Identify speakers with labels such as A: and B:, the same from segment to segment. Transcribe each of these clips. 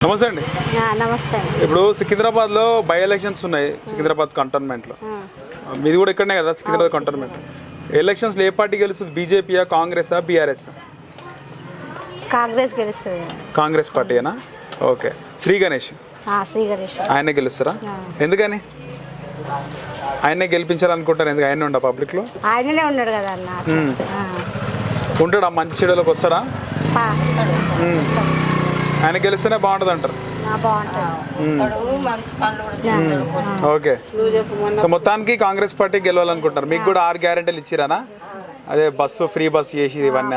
A: నమస్తే అండి.
B: నమస్తే.
A: ఇప్పుడు సికింద్రాబాద్లో బై ఎలక్షన్స్ ఉన్నాయి. సికింద్రాబాద్ కంటోన్మెంట్లో మీది కూడా ఇక్కడనే కదా సికింద్రాబాద్ కంటోన్మెంట్. ఎలక్షన్స్లో ఏ పార్టీ గెలుస్తుంది? బీజేపీయా, కాంగ్రెసా, బీఆర్ఎస్?
B: కాంగ్రెస్ గెలుస్తుంది.
A: కాంగ్రెస్ పార్టీనా? ఓకే. శ్రీ గణేష్ ఆయనే గెలుస్తారా? ఎందుకని ఆయనే గెలిపించాలనుకుంటారు? ఎందుకు ఆయనే ఉండ పబ్లిక్లో?
B: ఆయననే ఉన్నాడు కదా అన్న.
A: ఉంటాడా? మంచి చెడులకు వస్తారా? ఆయన గెలిస్తేనే బాగుంటుంది అంటారు. ఓకే. సో మొత్తానికి కాంగ్రెస్ పార్టీ గెలవాలనుకుంటారు. మీకు కూడా 6 గ్యారెంటీలు ఇచ్చిరానా? అదే బస్సు ఫ్రీ బస్ చేసి ఇవన్నీ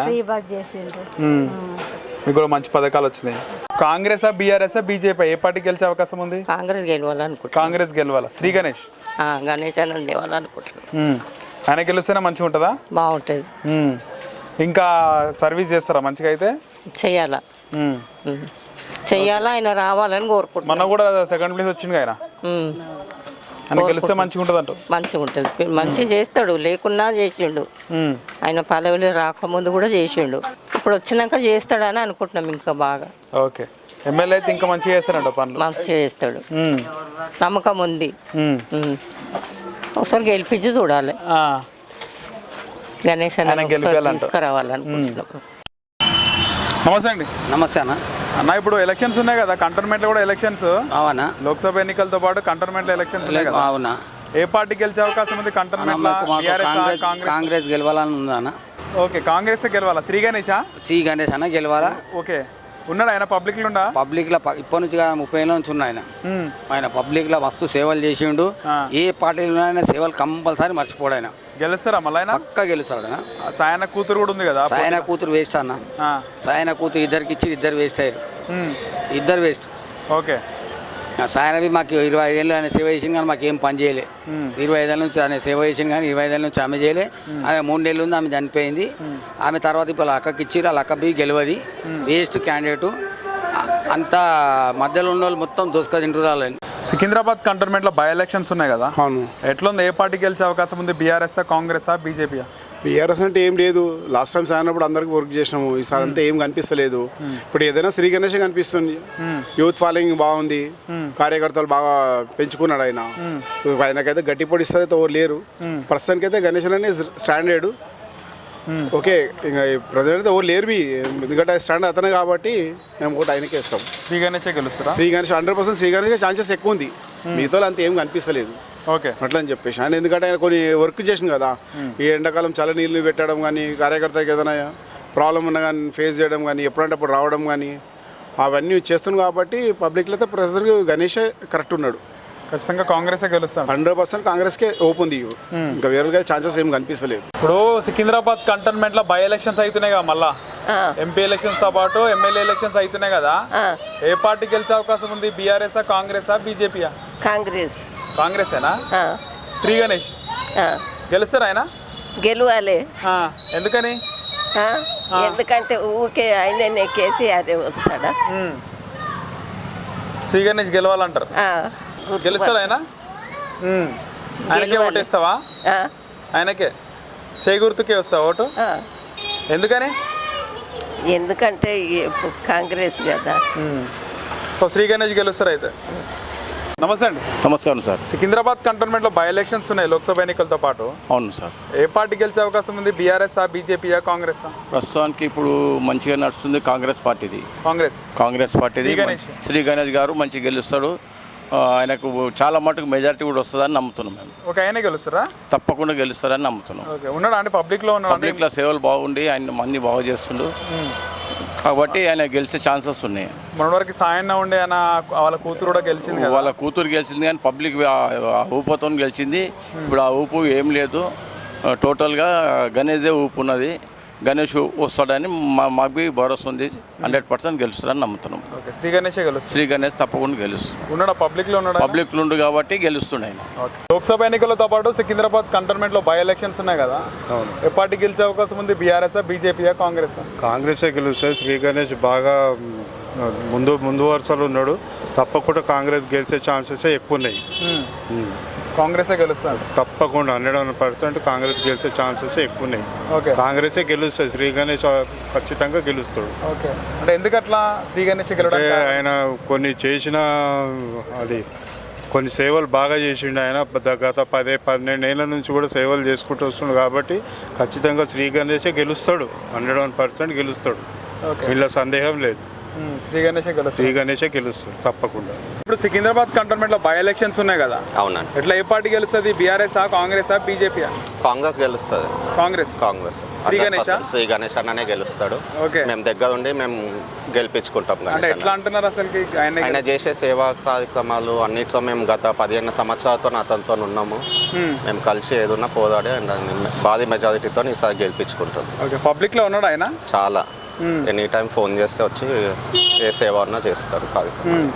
A: మీకు కూడా మంచి పథకాలు వచ్చినాయి. కాంగ్రెసా, బీఆర్ఎస్, బీజేపీ ఏ పార్టీ గెలిచే అవకాశం ఉంది?
C: కాంగ్రెస్ గెలవాలనుకుంటున్నాను.
A: కాంగ్రెస్ గెలవాలా? శ్రీ గణేష్
C: గణేష్ అని గెలవాలనుకుంటున్నాను.
A: ఆయన గెలిస్తేనే మంచిగా ఉంటుందా?
C: బాగుంటుంది.
A: ఇంకా సర్వీస్ చేస్తారా మంచిగా? అయితే
C: చెయ్యాలా చెయ్యాలా, ఆయన రావాలని కోరుకుంటున్నాను.
A: మన కూడా సెకండ్ ప్లేస్ వచ్చింది ఆయన. ఆయన గెలిస్తే మంచిగా ఉంటుంది అంట.
C: మంచిగా ఉంటుంది, మంచిగా చేస్తాడు. లేకున్నా చేసిండు. ఆయన పదవిలో రాకముందు కూడా చేసిండు. ఇప్పుడు వచ్చినాక చేస్తాడని అనుకుంటున్నాం ఇంకా బాగా.
A: ఓకే. ఎమ్మెల్యే అయితే ఇంకా మంచిగా చేస్తారంట పనులు. మంచిగా
C: చేస్తాడు, నమ్మకం ఉంది. ఒకసారి గెలిపించి చూడాలి. గణేష్ అన్న తీసుకురావాలనుకుంటున్నాం.
A: నమస్తే అండి.
D: నమస్తే అన్న.
A: అన్న ఇప్పుడు ఎలక్షన్స్ ఉన్నాయి కదా కంటోన్మెంట్లో కూడా ఎలక్షన్స్.
D: అవునా?
A: లోక్సభ ఎన్నికలతో పాటు కంటోన్మెంట్లో ఎలక్షన్స్ ఉన్నాయి కదా.
D: అవునా?
A: ఏ పార్టీ గెలిచే అవకాశం ఉంది కంటోన్మెంట్లో?
D: కాంగ్రెస్ గెలవాలని ఉందా అన్న?
A: ఓకే. కాంగ్రెస్ గెలవాలా? శ్రీ గణేషా?
D: శ్రీ గణేష్ అన్న గెలవాలా.
A: ఓకే. ఉన్నాడు ఆయన పబ్లిక్లో? ఉండా
D: పబ్లిక్లో ఇప్పటి నుంచి 30 ఏళ్ళ నుంచి ఉన్నాయి ఆయన. ఆయన పబ్లిక్లో మస్తు సేవలు చేసిండు. ఏ పార్టీలో ఆయన సేవలు కంపల్సరీ మర్చిపోడు. ఆయన గెలుస్తారా? మళ్ళీ ఆయన పక్కా గెలుస్తాడు. ఆయన
A: సాయన కూతురు కూడా ఉంది కదా.
D: సాయన కూతురు వేస్ట్ అన్న. సాయన కూతురు ఇద్దరికి ఇచ్చి ఇద్దరు వేస్ట్ అయ్యారు. ఇద్దరు వేస్ట్.
A: ఓకే.
D: సాయనవి మాకు 25 ఏళ్ళు ఆయన సేవ చేసింది కానీ మాకు ఏం పని చేయలే. 25 ఏళ్ళ నుంచి ఆయన సేవ చేసింది కానీ 25 ఏళ్ళ నుంచి ఆమె చేయలే. ఆమె 3 ఏళ్ళు ఉంది, ఆమె చనిపోయింది. ఆమె తర్వాత ఇప్పుడు అక్కకి ఇచ్చిర్రు, వాళ్ళ అక్క బి గెలవది. Waste candidate. అంతా మధ్యలో ఉన్న వాళ్ళు మొత్తం దోసుక తింటురాలని.
A: సికింద్రాబాద్ కంటోన్మెంట్లో బై ఎలక్షన్స్ ఉన్నాయి కదా. అవును. ఎట్లుంది? ఏ పార్టీ గెలిచే అవకాశం ఉంది? బీఆర్ఎస్, కాంగ్రెసా, బీజేపీయా?
E: బీఆర్ఎస్ అంటే ఏం లేదు. లాస్ట్ టైం సాగినప్పుడు అందరికి వర్క్ చేసినాము. ఈసారి అంతా ఏం కనిపిస్తలేదు. ఇప్పుడు ఏదైనా శ్రీ గణేష్ కనిపిస్తుంది. యూత్ ఫాలోయింగ్ బాగుంది, కార్యకర్తలు బాగా పెంచుకున్నాడు ఆయన. ఆయనకైతే గట్టి పొడిస్తారు అయితే ఎవరు లేరు. ప్రస్తుతానికి అయితే గణేష్ అనే స్టాండర్డ్. ఓకే. ఇంకా ప్రజెంట్ అయితే ఎవరు లేరు. ఎందుకంటే స్టాండ్ అతనే కాబట్టి మేము కూడా ఆయనకే ఇస్తాం.
A: శ్రీ గణేష్ గెలుస్తారా?
E: శ్రీ గణేష్ 100% శ్రీ గణేష్ ఛాన్సెస్ ఎక్కువ ఉంది. మిగతా అంత ఏం కనిపిస్తలేదు.
A: ఓకే.
E: అట్లా అని చెప్పేసి ఆయన ఎందుకంటే ఆయన కొన్ని వర్క్ చేసింది కదా. ఈ ఎండాకాలం చల్ల నీళ్ళు పెట్టడం కానీ, కార్యకర్తకి ఏదైనా ప్రాబ్లం ఉన్నా కానీ ఫేస్ చేయడం కానీ, ఎప్పుడంటే అప్పుడు రావడం కానీ అవన్నీ చేస్తున్నాం కాబట్టి పబ్లిక్లో అయితే ప్రజెంట్ గణేషే కరెక్ట్ ఉన్నాడు.
A: ఖచ్చితంగా కాంగ్రెస్ గెలుస్తాం.
E: 100% కాంగ్రెస్కే ఓపు ఉంది. ఇంకా వేరేగా ఛాన్సెస్ ఏం కనిపిస్తలేదు.
A: ఇప్పుడు సికింద్రాబాద్ కంటోన్మెంట్లో బై ఎలక్షన్స్ అవుతున్నాయి కదా. మళ్ళా ఎంపీ ఎలక్షన్స్ తో పాటు ఎమ్మెల్యే ఎలక్షన్స్ అవుతున్నాయి కదా. ఏ పార్టీ గెలిచే అవకాశం ఉంది? బీఆర్ఎస్, కాంగ్రెసా, బీజేపీయా?
C: కాంగ్రెస్.
A: కాంగ్రెసేనా? శ్రీ గణేష్ గెలుస్తారా? ఆయన
C: గెలవాలి.
A: ఎందుకని?
C: ఎందుకంటే ఊరికే ఆయన కేసీఆర్ వస్తాడా?
A: శ్రీ గణేష్ గెలవాలంటారు. గెలుస్తాడు ఆయన? ఆయనకే ఓటేస్తావా? ఆయనకే చేయి గుర్తుకే వస్తావా ఓటు? ఎందుకని?
C: ఎందుకంటే కాంగ్రెస్ కదా.
A: శ్రీ గణేష్ గెలుస్తారు అయితే. నమస్తే అండి.
F: నమస్కారం సార్.
A: సికింద్రాబాద్ కంటోన్మెంట్లో బై ఎలక్షన్స్ ఉన్నాయి లోక్సభ ఎన్నికలతో పాటు.
F: అవును సార్.
A: ఏ పార్టీ గెలిచే అవకాశం ఉంది? బీఆర్ఎస్, బీజేపీయా, కాంగ్రెస్?
F: ప్రస్తుతానికి ఇప్పుడు మంచిగా నడుస్తుంది కాంగ్రెస్ పార్టీది. కాంగ్రెస్ పార్టీది. శ్రీ గణేష్ గారు మంచిగా గెలుస్తాడు. ఆయనకు చాలా మటుకు మెజారిటీ కూడా వస్తుందని నమ్ముతున్నాం మేము.
A: ఒక ఆయనే గెలుస్తారా?
F: తప్పకుండా గెలుస్తారని నమ్ముతున్నాం.
A: ఉన్నాడు అంటే పబ్లిక్లో
F: సేవలు బాగుండి ఆయన మంది బాగా చేస్తుండు కాబట్టి ఆయన గెలిచే ఛాన్సెస్ ఉన్నాయి.
A: మొన్నటివరకు సాయన్న ఉండే ఆయన వాళ్ళ కూతురు కూడా గెలిచింది.
F: వాళ్ళ కూతురు గెలిచింది కానీ పబ్లిక్ ఊపుతో గెలిచింది. ఇప్పుడు ఆ ఊపు ఏం లేదు. టోటల్గా గణేషే ఊపు ఉన్నది. గణేష్ వస్తాడని మాకు భరోసా ఉంది. 100% గెలుస్తాడని నమ్ముతున్నాం.
A: శ్రీ గణేష్ గెలుస్తాడు.
F: శ్రీ గణేష్ తప్పకుండా గెలుస్తాడు.
A: ఉన్నాడు పబ్లిక్లో
F: ఉండు కాబట్టి గెలుస్తుండే ఆయన.
A: లోక్సభ ఎన్నికలతో పాటు సికింద్రాబాద్ కంటోన్మెంట్లో బై ఎలక్షన్స్ ఉన్నాయి కదా. ఏ పార్టీ గెలిచే అవకాశం ఉంది? బీఆర్ఎస్, బీజేపీయా, కాంగ్రెస్?
E: కాంగ్రెసే గెలుస్తుంది. శ్రీ గణేష్ బాగా ముందు వరుసలో ఉన్నాడు. తప్పకుండా కాంగ్రెస్ గెలిచే ఛాన్సెస్ ఎక్కువ ఉన్నాయి.
A: కాంగ్రెసే గెలుస్తారు.
G: తప్పకుండా 100% కాంగ్రెస్ గెలిచే ఛాన్సెస్ ఎక్కువ ఉన్నాయి.
A: ఓకే
G: కాంగ్రెసే గెలుస్తుంది. శ్రీ గణేష్ ఖచ్చితంగా గెలుస్తాడు.
A: ఓకే అంటే ఎందుకు అట్లా శ్రీ గణేష్
G: అంటే
A: గెలవడానికి
G: ఆయన కొన్ని చేసిన అది కొన్ని సేవలు బాగా చేసిండు. ఆయన గత 10-12 ఏళ్ళ నుంచి కూడా సేవలు చేసుకుంటూ వస్తుండు కాబట్టి ఖచ్చితంగా శ్రీ గణేషే గెలుస్తాడు. 101% గెలుస్తాడు.
A: ఓకే
G: వీళ్ళ సందేహం లేదు.
A: శ్రీ గణేషే
G: శ్రీ
A: గెలుస్తారు.
G: గణేషే గెలుస్తాడు తప్పకుండా.
A: ఇప్పుడు సికింద్రాబాద్ కంటోన్మెంట్లో బై ఎలక్షన్స్ ఉన్నాయి కదా,
H: అవునండి.
A: ఎట్లా ఏ పార్టీ గెలుస్తుంది? BRS Congress BJP?
H: కాంగ్రెస్ గెలుస్తుంది.
A: కాంగ్రెస్.
H: శ్రీ
A: గణేష్
H: శ్రీ గణేష్ అన్ననే గెలుస్తాడు.
A: ఓకే
H: మేము దగ్గర ఉండి మేము గెలిపించుకుంటాం
A: అంటే
H: గణేష్
A: ఎట్లా
H: అన్న.
A: అంటున్నారు అసలుకి
H: ఆయన చేసే సేవా కార్యక్రమాలు అన్నిట్లో మేము గత 15 సంవత్సరాలతో అతనితో ఉన్నాము. మేము కలిసి ఏదున్నా పోరాడి ఆయన భారీ మెజారిటీతో ఈసారి గెలిపించుకుంటాం.
A: ఓకే పబ్లిక్లో ఉన్నాడు ఆయన
H: చాలా ఎనీ టైం ఫోన్ చేస్తే వచ్చి ఏ సేవ అన్నా చేస్తాడు కార్యక్రమం.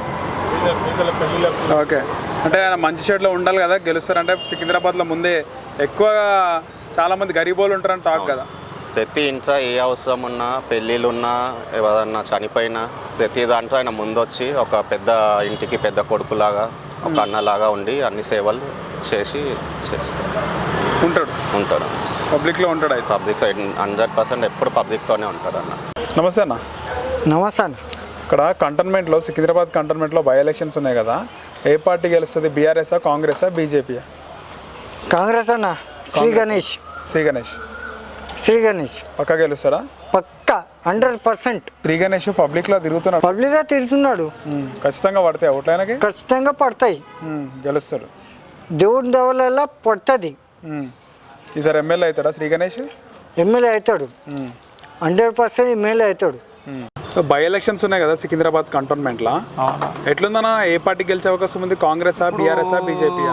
A: ఓకే అంటే ఆయన మంచి షేడ్లో ఉండాలి కదా గెలుస్తారంటే. సికింద్రాబాద్లో ముందే ఎక్కువ చాలా మంది గరీబోళ్ళు ఉంటారని టాక్ కదా.
H: ప్రతి ఇంట్లో ఏ అవసరం ఉన్నా, పెళ్ళిళ్ళు ఉన్నా, ఎవరన్నా చనిపోయినా ప్రతి దాంట్లో ఆయన ముందొచ్చి ఒక పెద్ద ఇంటికి పెద్ద కొడుకులాగా ఒక అన్నలాగా ఉండి అన్ని సేవలు చేసి చేస్తాడు. ఉంటాడు
A: పబ్లిక్లో ఉంటాడు అయితే.
H: పబ్లిక్ 100% ఎప్పుడు పబ్లిక్తోనే ఉంటాడు అన్న.
A: నమస్తే అన్న.
I: నమస్తే అన్న.
A: ఇక్కడ కంటోన్మెంట్లో సికింద్రాబాద్ కంటోన్మెంట్లో బై ఎలక్షన్స్ ఉన్నాయి కదా, ఏ పార్టీ గెలుస్తుంది? BRS Congress BJP?
I: కాంగ్రెస్ అన్న. శ్రీ గణేష్.
A: శ్రీ గణేష్.
I: శ్రీ గణేష్
A: పక్కా గెలుస్తాడా?
I: పక్కా 100%.
A: శ్రీ గణేష్ పబ్లిక్లో తిరుగుతున్నాడు.
I: పబ్లిక్గా తిరుగుతున్నాడు.
A: ఖచ్చితంగా పడతాయి ఓట్లైనకి.
I: ఖచ్చితంగా పడతాయి.
A: గెలుస్తాడు.
I: దేవుడి దెవల పడుతుంది.
A: ఈసారి ఎమ్మెల్యే అవుతాడా శ్రీ గణేష్?
I: ఎమ్మెల్యే అవుతాడు. 100% ఎమ్మెల్యే అవుతాడు.
A: బై ఎలక్షన్స్ ఉన్నాయి కదా సికింద్రాబాద్ కంటోన్మెంట్లో, ఎట్లుందన్నా ఏ పార్టీ గెలిచే అవకాశం ఉంది? Congress BRS BJP?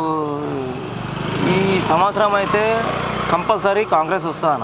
J: ఈ సంవత్సరం అయితే కంపల్సరీ కాంగ్రెస్ వస్తుందన్న.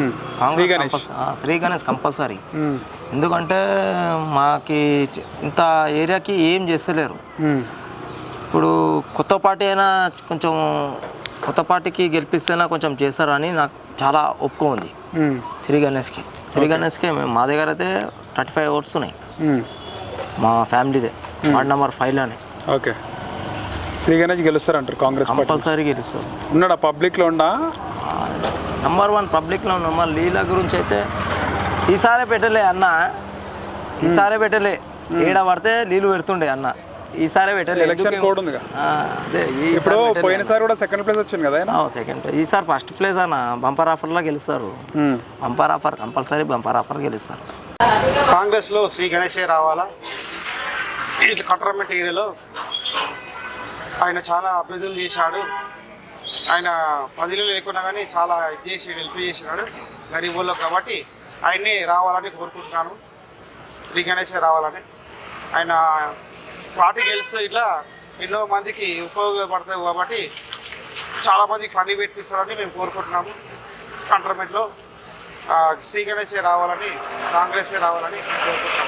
J: శ్రీ గణేష్ కంపల్సరీ. ఎందుకంటే మాకి ఇంత ఏరియాకి ఏం చేస్తలేరు. ఇప్పుడు కొత్త పార్టీ అయినా కొంచెం కొత్త పార్టీకి గెలిపిస్తేనా కొంచెం చేస్తారని నాకు చాలా ఒప్పుకో ఉంది శ్రీ గణేష్కి. శ్రీ గణేష్కి మా దగ్గర అయితే 35 ఓట్స్ ఉన్నాయి మా ఫ్యామిలీదే. వార్డ్ నెంబర్ 5లోనే.
A: ఓకే శ్రీ గణేష్ గెలుస్తారంటారు కాంగ్రెస్
J: కంపల్సరీ గెలుస్తారు.
A: ఉన్నాడా పబ్లిక్లో? ఉండా
J: నెంబర్ 1 పబ్లిక్లో ఉన్నాం. మా లీల గురించి అయితే ఈసారే పెట్టలే అన్న. ఈసారే పెట్టలే. ఏడ పడితే నీళ్ళు పెడుతుండే అన్న. ఈసారి పెట్టలే.
A: ఎలక్షన్ కోడ్ ఉంది. ఇప్పుడు పోయినసారి కూడా సెకండ్ ప్లేస్ వచ్చింది కదా ఆయన.
J: Second place. ఈసారి ఫస్ట్ ప్లేస్ అన్న. బంపర్ ఆఫర్లో గెలుస్తారు. Bumper offer compulsory bumper offer గెలుస్తారు.
I: కాంగ్రెస్లో శ్రీ గణేషే రావాలా. ఇట్లా కంటోన్మెంట్ ఏరియాలో ఆయన చాలా అభివృద్ధులు చేశాడు. ఆయన 10 లేకున్నా కానీ చాలా ఇది చేసి హెల్ప్ చేసినాడు గరీబుల్లో. కాబట్టి ఆయన్ని రావాలని కోరుకుంటున్నాను. శ్రీ గణేషే రావాలని. ఆయన పార్టీ గెలిస్తే ఇట్లా ఎన్నో మందికి ఉపయోగపడతాయి కాబట్టి చాలామందికి పని పెట్టిస్తారని మేము కోరుకుంటున్నాము. కంటోన్మెంట్లో శ్రీ గణేషే రావాలని, కాంగ్రెసే రావాలని కోరుకుంటున్నాము.